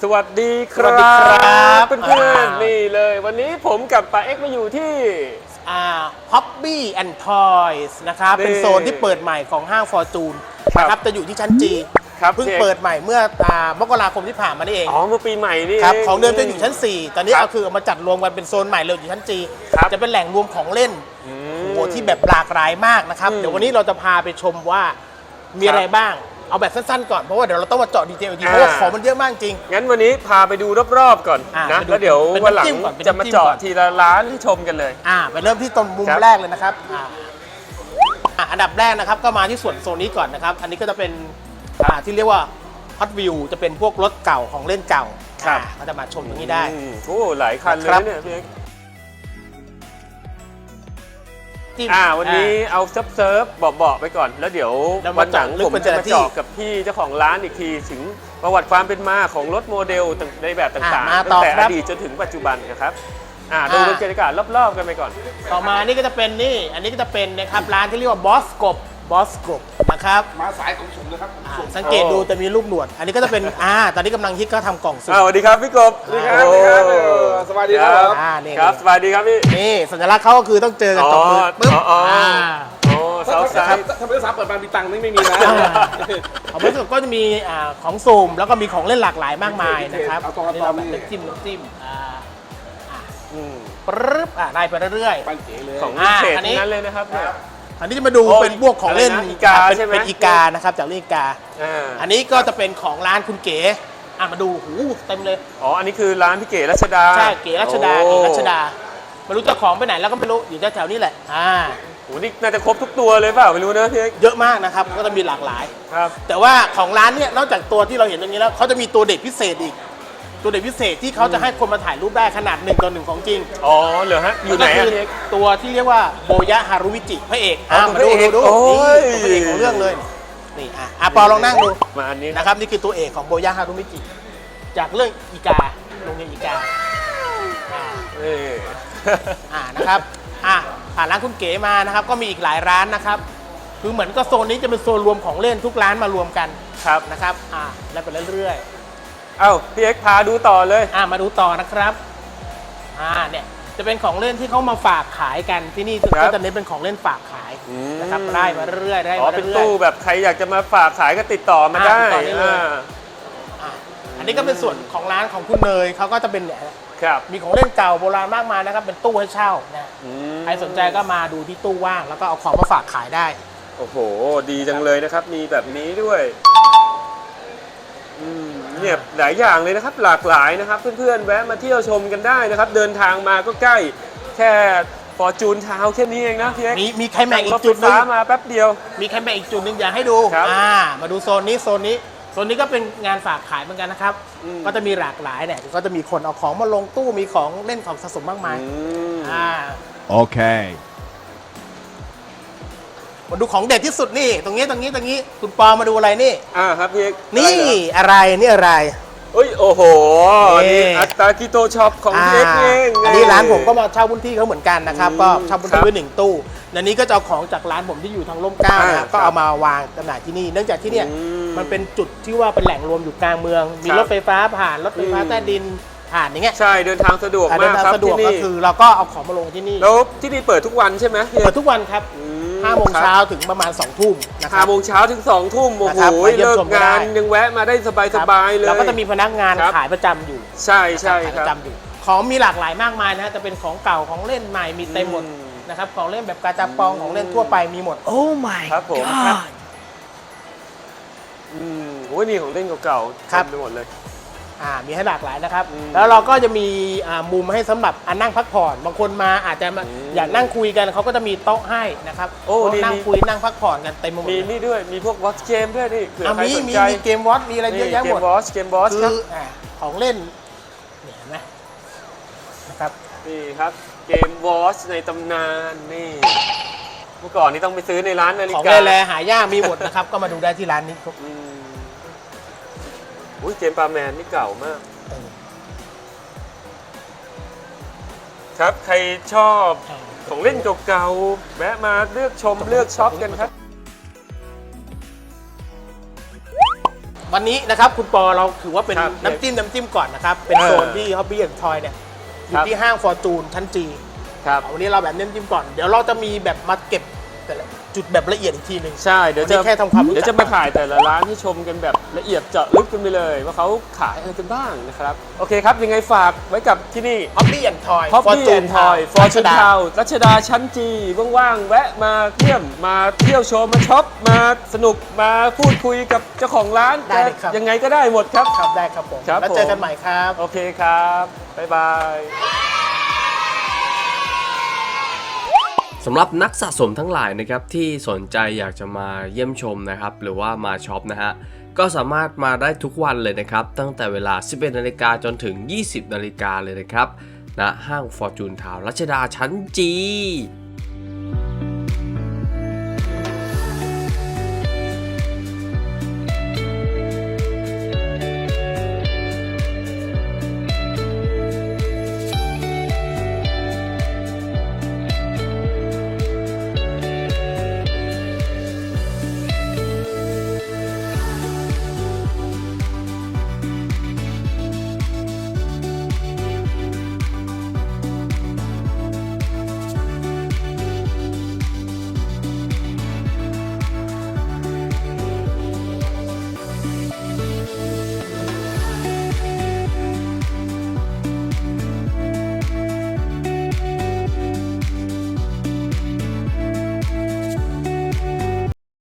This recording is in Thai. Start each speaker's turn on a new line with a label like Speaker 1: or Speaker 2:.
Speaker 1: สวัสดีค
Speaker 2: สวั
Speaker 1: รั
Speaker 2: สดีครับ
Speaker 1: บเพื่อนๆนี่เลยวันนี้ผมกับป๋าเอ็กซ์มาอยู่ที่
Speaker 2: Hobby and Toys นะครับ
Speaker 1: นี่
Speaker 2: เป็นโซนที่เปิดใหม่ของห้าง Fortune
Speaker 1: ครับ
Speaker 2: นะครับจะอยู่ที่ชั้นจี
Speaker 1: ครับ
Speaker 2: เพิ่ง
Speaker 1: พี่เอก
Speaker 2: เปิดใหม่เมื่อมกราคมที่ผ่านมานี่เอง
Speaker 1: อ๋อเมื่อปีใหม่นี่
Speaker 2: ครับ
Speaker 1: เ
Speaker 2: ของเดิมจะอยู่ชั้น 4 ตอนนี้
Speaker 1: ครับ
Speaker 2: เอาคือเอามาจัดรวมกันเป็นโซนใหม่เลยอยู่ชั้นจี
Speaker 1: ครับ
Speaker 2: จะเป็นแหล่งรวมของเล่น
Speaker 1: อืม
Speaker 2: โอ้โหที่แบบหลากหลายมากนะครับ
Speaker 1: อืม
Speaker 2: เดี๋ยววันนี้เราจะพาไปชมว่ามีอะไรบ้าง เอาแบบสั้นๆก่อนเพราะว่าเดี๋ยวเราต้องมาเจาะดีเทลอีกทีเพราะว่าของมันเยอะมากจริง
Speaker 1: งั้นวันนี้พาไปดูรอบๆก่อน
Speaker 2: อ่ะ
Speaker 1: นะ
Speaker 2: ไปดู
Speaker 1: แล้วเดี๋ยว
Speaker 2: เป็น
Speaker 1: วันหลัง
Speaker 2: น้ำจิ้มก่อนเป็น
Speaker 1: จะมา
Speaker 2: น้ำจิ้ม
Speaker 1: เจาะ
Speaker 2: ก่อน
Speaker 1: ทีละร้านให้ชมกันเลย
Speaker 2: ไปเริ่มที่ตรงมุม
Speaker 1: ครับ
Speaker 2: แรกเลยนะครับอันดับแรกนะครับก็มาที่ส่วนโซนนี้ก่อนนะครับ อันนี้ก็จะเป็นที่เรียกว่า Hot Wheel จะเป็นพวกรถเก่าของเล่นเก่าก็จะมาชมตรงนี้ได้
Speaker 1: โอ้หลายคันเลย
Speaker 2: ครับ
Speaker 1: นะเนี่ยพี่เอ็กซ์
Speaker 2: จิ้ม
Speaker 1: วันนี้เอาเซิร์ฟเบาๆไปก่อนแล้วเดี๋ยว
Speaker 2: แล้ว
Speaker 1: วั
Speaker 2: มาน
Speaker 1: หลัง
Speaker 2: เจาะลึก
Speaker 1: ผม
Speaker 2: เป็น
Speaker 1: จะ
Speaker 2: แต่
Speaker 1: มา
Speaker 2: ละที่
Speaker 1: เจาะกับพี่เจ้าของร้านอีกทีถึงประวัติความเป็นมาของรถโมเดลในแบบต่าง
Speaker 2: มา
Speaker 1: ๆ
Speaker 2: ต่
Speaker 1: ตั้
Speaker 2: อง
Speaker 1: แต่
Speaker 2: ครั
Speaker 1: อบ ดีตจนถึงปัจจุบันนะครับดูบรรยากาศรอบๆกันไปก่อน
Speaker 2: ต่อมานี่ก็จะเป็นนี่อันนี้ก็จะเป็นนะครับร้านที่เรียกว่าบอสกบนะครับ
Speaker 3: มาสายของผมนะครับ
Speaker 2: สังเกตดูจะมีรูปหนวด อันนี้ก็จะเป็นตอนนี้กำลังฮิตก็ทำกล่องสุ่ม
Speaker 1: สวัสดีครับพี่กบ
Speaker 3: สวัสดีครับสวัสดีครับสวัสดีครับ
Speaker 2: นี่
Speaker 1: ครับสวัสดีครับพี่
Speaker 2: นี่สัญลักษณ์เขาก็คือต้องเจอกันจบมือปึ๊บ
Speaker 1: โอ้สาวสาย
Speaker 3: ถ้าไม่ได้สามเปิดบานมีตังค์ไม่มีนะ
Speaker 2: ของบอสกบก็จะมีของสุ่มแล้วก็มีของเล่นหลากหลายมากมายนะครับ
Speaker 3: เอาตรง
Speaker 2: นี่เราแบบ
Speaker 3: นี่
Speaker 2: น้ำจิ้มปึ๊บไล่ไปเรื่อยๆ
Speaker 3: ปันเก๋เลย
Speaker 1: ของวิเศษ
Speaker 2: อันนี้
Speaker 1: ทั้งนั้นเลยนะครับเนี่ย
Speaker 2: อันนี้จะมาดู
Speaker 1: โอ้
Speaker 2: เป็นพวกของเล่น
Speaker 1: อะไรนะอีกาใช่ไหม
Speaker 2: เป็นอีกานะครับจากเรื่องอีกา อันนี้ก็จะเป็นของร้านคุณเก๋มาดูหูเต็มเลย
Speaker 1: อ๋ออันนี้คือร้านพี่เก๋รัชดา
Speaker 2: ใช่เก๋รัชดา
Speaker 1: โอ้
Speaker 2: เก๋รัชดาไม่รู้เจ้าของไปไหนแล้วก็ไม่รู้อยู่แถวๆนี้แหละ
Speaker 1: โหนี่น่าจะครบทุกตัวเลยเปล่าไม่รู้นะพี่เอก
Speaker 2: เยอะมากนะครับก็จะมีหลากหลาย
Speaker 1: ครับ
Speaker 2: แต่ว่าของร้านเนี่ยนอกจากตัวที่เราเห็นตรงนี้แล้วเขาจะมีตัวเด็ดพิเศษอีก ตัวเด็ดพิเศษที่เขาจะให้คนมาถ่ายรูปได้ขนาด1 ต่อ 1ของจริง
Speaker 1: อ๋อเหรอฮะอยู่ไหน
Speaker 2: ก็
Speaker 1: อะ
Speaker 2: คื
Speaker 1: พี่เอก
Speaker 2: ตัวที่เรียกว่าโบยะฮารุวิจิพระเอก
Speaker 1: อ๋อ
Speaker 2: มาดู
Speaker 1: ตัวพระเอก
Speaker 2: ดู
Speaker 1: โอ้
Speaker 2: นี่
Speaker 1: ย
Speaker 2: ตัวพระเอกของเรื่องเลยนี่ปอลองนั่งดู
Speaker 1: มาอันนี้นะ
Speaker 2: นะครับนี่คือตัวเอกของโบยะฮารุมิจิจากเรื่องอีกาโรงเรียนอีกา
Speaker 1: นี่
Speaker 2: นะครับผ่านร้านคุณเก๋มานะครับก็มีอีกหลายร้านนะครับคือเหมือนก็โซนนี้จะเป็นโซนรวมของเล่นทุกร้านมารวมกัน
Speaker 1: ครับ
Speaker 2: นะครับแล้วไปเรื่อย
Speaker 1: เอ้าพี่เอกพาดูต่อเลย
Speaker 2: ๆมาดูต่อนะครับเนี่ยจะเป็นของเล่นที่เขามาฝากขายกันที่นี่
Speaker 1: ครับ
Speaker 2: ก็จะเน้นเป็นของเล่นฝากขายนะครับได้มาเรื่อยๆได้
Speaker 1: อ๋อ
Speaker 2: มา
Speaker 1: เป็น
Speaker 2: เรื่อย
Speaker 1: ตู้แบบใครอยากจะมาฝากขายก็ติดต่อมาได้
Speaker 2: ติดต่อได้เลย
Speaker 1: อ่า
Speaker 2: ๆอันนี้ก็เป็นส่วนของร้านของคุณเนยเขาก็จะเป็นเนี่ย
Speaker 1: ครับ
Speaker 2: มีของเล่นเก่าโบราณมากมายนะครับเป็นตู้ให้เช่านะ
Speaker 1: อืม
Speaker 2: ใครสนใจก็มาดูที่ตู้ว่างแล้วก็เอาของมาฝากขายได้
Speaker 1: โอ้โหดีจังเลยนะครับ มีแบบนี้ด้วยเนี่ยหลายอย่างเลยนะครับหลากหลายนะครับ เพื่อนๆแวะมาเที่ยวชมกันได้นะครับ เดินทางมาก็ใกล้แค่ฟอร์จูนทาวแค่นี้เองนะพี่เอก
Speaker 2: มีใครแม็กอี
Speaker 1: ร
Speaker 2: ก
Speaker 1: ถ
Speaker 2: จุ
Speaker 1: ไฟ
Speaker 2: ดหนึง
Speaker 1: ฟ้ามาแป๊บเดียว
Speaker 2: มีแคมเปญอีกจุดหนึ่งอยากให้ดู
Speaker 1: ครับ
Speaker 2: มาดูโซนนี้ก็เป็นงานฝากขายเหมือนกันนะครับ ก็จะมีหลากหลายเนี่ยก็จะมีคนเอาของมาลงตู้มีของเล่นของสะสมมากมาย
Speaker 4: Okay.
Speaker 2: มาดูของเด็ดที่สุดนี่ตรงนี้คุณปอมาดูอะไรนี่
Speaker 1: ครับพี่เอก
Speaker 2: นี่อะไรนี่อะไร
Speaker 1: เอ้ยโอ้โห
Speaker 2: นี่
Speaker 1: นี่อัตตากิโตช็อปของพี่เอกเอง
Speaker 2: อันนี้ร้านผมก็มาเช่าพื้นที่เขาเหมือนกันนะครับก็เช่าพื้น
Speaker 1: ครั
Speaker 2: ที่
Speaker 1: บ
Speaker 2: ไว้1 ตู้และนี้ก็จะเอาของจากร้านผมที่อยู่ทางร่มเกล้านะครับก็เอามาวางจำหน่ายที่นี่เนื่องจากที่เนี่ย มันเป็นจุดที่ว่าเป็นแหล่งรวมอยู่กลางเมือง มี
Speaker 1: ครับ
Speaker 2: รถไฟฟ้าผ่านรถไฟฟ้าใต้ดินผ่านอย่างเงี้ย
Speaker 1: ใช่เดินทางสะดวก
Speaker 2: เดิ
Speaker 1: มาน ก
Speaker 2: ทาง
Speaker 1: ครับ
Speaker 2: สะดว
Speaker 1: ที่
Speaker 2: กก็
Speaker 1: นี่
Speaker 2: คือเราก็เอาของมาลงที่นี่
Speaker 1: แล้วที่นี่เปิดทุกวันใช่ไหมพี่เอ
Speaker 2: เปิ
Speaker 1: ก
Speaker 2: ดทุกวันครับ5 โมงเช้าถึงประมาณ2 ทุ่มนะค
Speaker 1: ห้า
Speaker 2: รับ
Speaker 1: โมงเช้าถึง2 ทุ่มโอ้
Speaker 2: นะ
Speaker 1: โห
Speaker 2: ครับมาเยี่ยม
Speaker 1: เลิก
Speaker 2: ชมก็ได้
Speaker 1: งานยังแวะมาได้สบายๆเลย
Speaker 2: แล้วก็จะมีพนักงาน
Speaker 1: ครับ
Speaker 2: ขายประจำอยู่
Speaker 1: ใช่ใช่
Speaker 2: ขาย
Speaker 1: ค
Speaker 2: ป
Speaker 1: รับ
Speaker 2: ระจำอยู่ของมีหลากหลายมากมายนะฮะจะเป็นของเก่าของเล่นใหม่มีเต็มหมด
Speaker 1: อืม
Speaker 2: นะครับของเล่นแบบกาจาปองของเล่นทั่วไปมีหมด
Speaker 4: Oh my
Speaker 1: ครับผม
Speaker 4: god.
Speaker 1: โอ้ยนี่ของเล่นเก่าๆ
Speaker 2: ครับ
Speaker 1: เต็มไปหมดเลย
Speaker 2: มีให้หลากหลายนะครับ
Speaker 1: อืม
Speaker 2: แล้วเราก็จะมีมุมให้สำหรับนั่งพักผ่อนบางคนมาอาจจะมาอยากนั่งคุยกันเขาก็จะมีโต๊ะให้นะครับ
Speaker 1: โอ้
Speaker 2: โต๊ะ
Speaker 1: นี่
Speaker 2: นั่งคุยนั่งพักผ่อนกันเต็มไปหมด
Speaker 1: มี
Speaker 2: เลย
Speaker 1: นี่ด้วยมีพวกวอตเกมด้วยนี่เผื่อใคร
Speaker 2: มี
Speaker 1: สนใจ
Speaker 2: เกมวอตมีอะไรเยอะแยะหมด
Speaker 1: เกมบอส
Speaker 2: คื
Speaker 1: ครับ
Speaker 2: ของเล่นเนี่ยเห็นไหมนะครับ
Speaker 1: นี่ครับเกมวอชในตำนานนี่เมื่อก่อนนี่ต้องไปซื้อในร้านนาฬิ
Speaker 2: ของ
Speaker 1: กา
Speaker 2: แร่หายากมีหมดนะครับ ก็มาดูได้ที่ร้านนี้ครับ
Speaker 1: อุ้ยเกมปลาแมนนี่เก่ามาก ครับใครชอบของเล่นเก่าๆแวะมาเลือกชมเลือกช็อปกันครับ
Speaker 2: วันนี้นะครับคุณปอเราถือว่าเป็น
Speaker 1: ครับ
Speaker 2: น้ำจิ้มก่อนนะครับ เป็นโซนที่ Hobby and Toy เนี่ยอยู่ที่ห้าง Fortune ชั้นจี
Speaker 1: ครับ
Speaker 2: วันนี้เราแบบน้ำจิ้มก่อน เดี๋ยวเราจะมีแบบมาเก็บแต่ละจุดแบบละเอียดอีกทีหนึ่ง
Speaker 1: ใช่ เดี๋ยว
Speaker 2: วันนี้แค่ทำความรู้จัก
Speaker 1: เดี๋ยวจะมาถ่ายแต่ละร้านให้ชมกันแบบละเอียดเจาะลึกกันไปเลย ว่าเขาขายอะไรกันบ้างนะครับ โอเคครับ ยังไงฝากไว้กับที่นี่
Speaker 2: Hobby and Toy
Speaker 1: Hobby and Toy Fortune Town รัชดาชั้นจีว่างๆ แวะมาเยี่ยมมาเที่ยวชมมาช็อปมาสนุกมาพูดคุยกับเจ้าของร้าน
Speaker 2: ได้เลยครับ
Speaker 1: ยังไงก็ได้หมดครับ
Speaker 2: ครับได้ครับผม
Speaker 1: ครับ
Speaker 2: แล้วเจอกันใหม่ครับ
Speaker 1: โอเคครับ บ๊ายบาย
Speaker 5: สำหรับนักสะสมทั้งหลายนะครับที่สนใจอยากจะมาเยี่ยมชมนะครับหรือว่ามาช็อปนะฮะก็สามารถมาได้ทุกวันเลยนะครับตั้งแต่เวลา 11 นาฬิกาจนถึง 20 นาฬิกาเลยนะครับณห้าง Fortune Town รัชดาชั้นจี